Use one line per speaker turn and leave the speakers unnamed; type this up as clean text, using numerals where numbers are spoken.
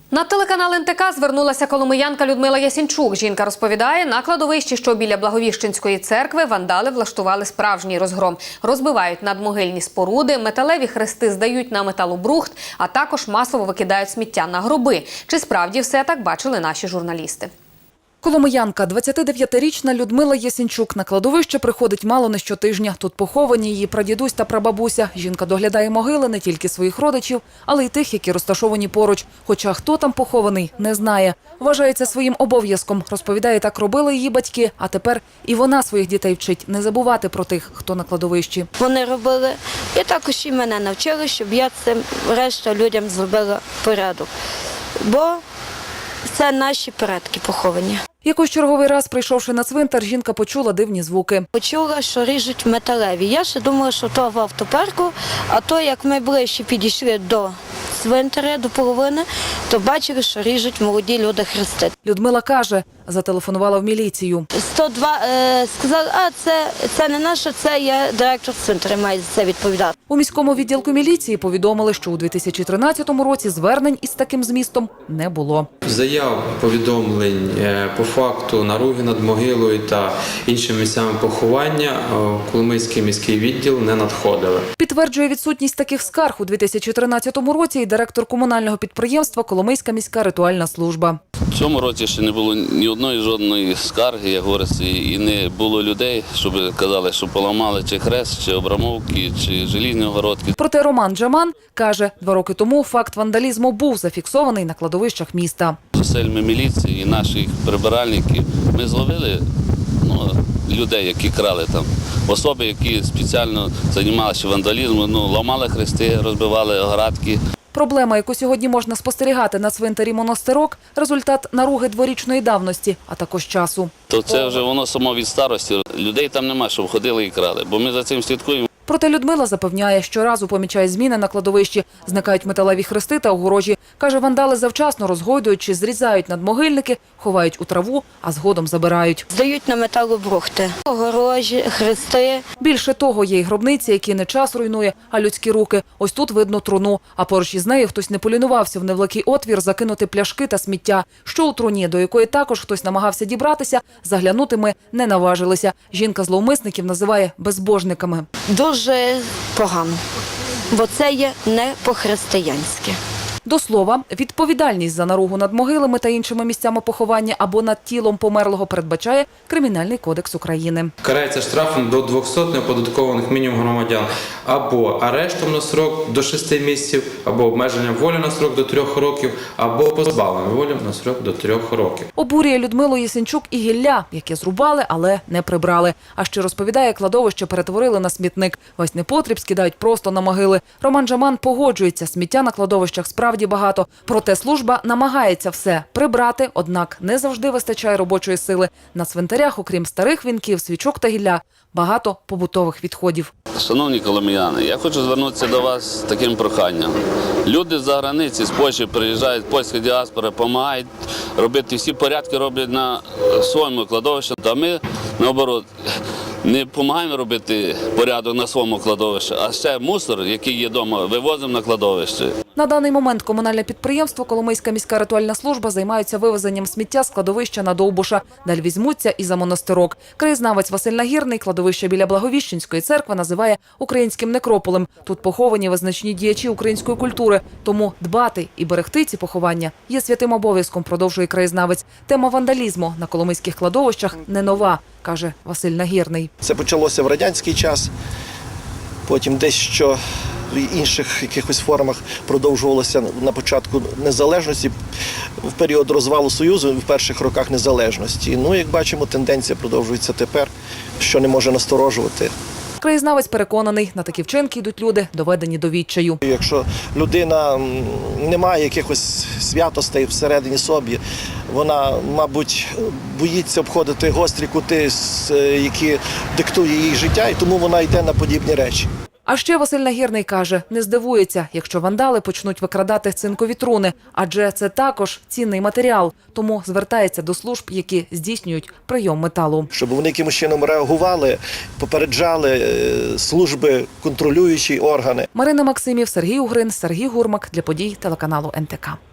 На телеканал НТК звернулася коломиянка Людмила Ясінчук. Жінка розповідає, на кладовищі, що біля Благовіщенської церкви, вандали влаштували справжній розгром. Розбивають надмогильні споруди, металеві хрести здають на металобрухт, а також масово викидають сміття на гроби. Чи справді все так бачили наші журналісти?
Коломиянка, 29-річна Людмила Ясінчук, на кладовище приходить мало не щотижня. Тут поховані її прадідусь та прабабуся. Жінка доглядає могили не тільки своїх родичів, але й тих, які розташовані поруч. Хоча хто там похований, не знає. Вважає це своїм обов'язком. Розповідає, так робили її батьки, а тепер і вона своїх дітей вчить не забувати про тих, хто на кладовищі.
Вони робили, і також і мене навчили, щоб я цим решта людям зробила порядок. Бо це наші предки поховані.
Якось черговий раз, прийшовши на цвинтар, жінка почула дивні звуки.
Почула, що ріжуть металеві. Я ще думала, що то в автопарку, а то, як ми ближче підійшли до цвинтаря, до половини, то бачили, що ріжуть молоді люди хрести.
Людмила каже, зателефонувала в міліцію.
102 сказали, це не наше, це я директор цвинтаря, має за це відповідати.
У міському відділку міліції повідомили, що у 2013 році звернень із таким змістом не було.
Заяв, повідомлень по факту наруги над могилою та іншими місцями поховання в Коломийський міський відділ не надходили.
Підтверджує відсутність таких скарг у 2013 році і директор комунального підприємства «Коломийська міська ритуальна служба».
В цьому році ще не було ні одної жодної скарги, як говориться, і не було людей, щоб казали, що поламали чи хрест, чи обрамовки, чи желізні огородки.
Проте Роман Джаман каже, 2 роки тому факт вандалізму був зафіксований на кладовищах міста.
Зусиллями міліції і наших прибиральників ми зловили людей, які крали там. Особи, які спеціально займалися вандалізмом, ламали хрести, розбивали оградки.
Проблема, яку сьогодні можна спостерігати на цвинтарі Монастирок – результат наруги дворічної давності, а також часу.
То це вже воно само від старості. Людей там немає, щоб ходили і крали, бо ми за цим слідкуємо.
Проте Людмила запевняє, щоразу помічає зміни на кладовищі. Зникають металеві хрести та огорожі. Каже, вандали завчасно розгойдують чи зрізають надмогильники, ховають у траву, а згодом забирають.
Здають на металобрухти, огорожі, хрести.
Більше того, є й гробниці, які не час руйнує, а людські руки. Ось тут видно труну, а поруч із нею хтось не полінувався в невеликий отвір закинути пляшки та сміття. Що у труні, до якої також хтось намагався дібратися, заглянути ми не наважилися. Жінка зловмисників називає безбожниками.
Дуже погано, бо це є не по-християнськи.
До слова, відповідальність за наругу над могилами та іншими місцями поховання або над тілом померлого передбачає Кримінальний кодекс України.
Карається штрафом до 200 неоподаткованих мінімум громадян або арештом на срок до 6 місяців, або обмеженням волі на срок до 3 років, або позбавленням волі на срок до 3 років.
Обурює Людмилу Ясінчук і гілля, яке зрубали, але не прибрали. А ще розповідає, кладовище перетворили на смітник. Весь непотріб скидають просто на могили. Роман Джаман погоджується, сміття на кладовищах справді багато. Проте служба намагається все прибрати, однак не завжди вистачає робочої сили. На цвинтарях, окрім старих вінків, свічок та гілля, багато побутових відходів.
Шановні коломияни, я хочу звернутися до вас з таким проханням. Люди з-за границі, з Польщі приїжджають, польська діаспора, допомагають робити всі порядки, роблять на своєму кладовищі. А ми, наоборот, не допомагаємо робити порядок на своєму кладовищі, а ще мусор, який є вдома, вивозимо на кладовище.
На даний момент комунальне підприємство «Коломийська міська ритуальна служба» займаються вивезенням сміття з кладовища на Довбуша. Далі візьмуться і за Монастирок. Краєзнавець Василь Нагірний кладовище біля Благовіщенської церкви називає українським некрополем. Тут поховані визначні діячі української культури. Тому дбати і берегти ці поховання є святим обов'язком, продовжує краєзнавець. Тема вандалізму на коломийських кладовищах не нова, каже Василь Нагірний.
Це почалося в радянський час, потім дещо в інших якихось формах продовжувалося на початку незалежності, в період розвалу Союзу, в перших роках незалежності. Як бачимо, тенденція продовжується тепер, що не може насторожувати.
Краєзнавець переконаний, на такі вчинки йдуть люди, доведені до відчаю.
Якщо людина не має якихось святостей всередині собі, вона, мабуть, боїться обходити гострі кути, які диктує їй життя, і тому вона йде на подібні речі.
А ще Василь Нагірний каже, не здивується, якщо вандали почнуть викрадати цинкові труни, адже це також цінний матеріал, тому звертається до служб, які здійснюють прийом металу.
Щоб вони якимось чином реагували, попереджали служби, контролюючі органи.
Марина Максимів, Сергій Угрин, Сергій Гурмак для подій телеканалу НТК.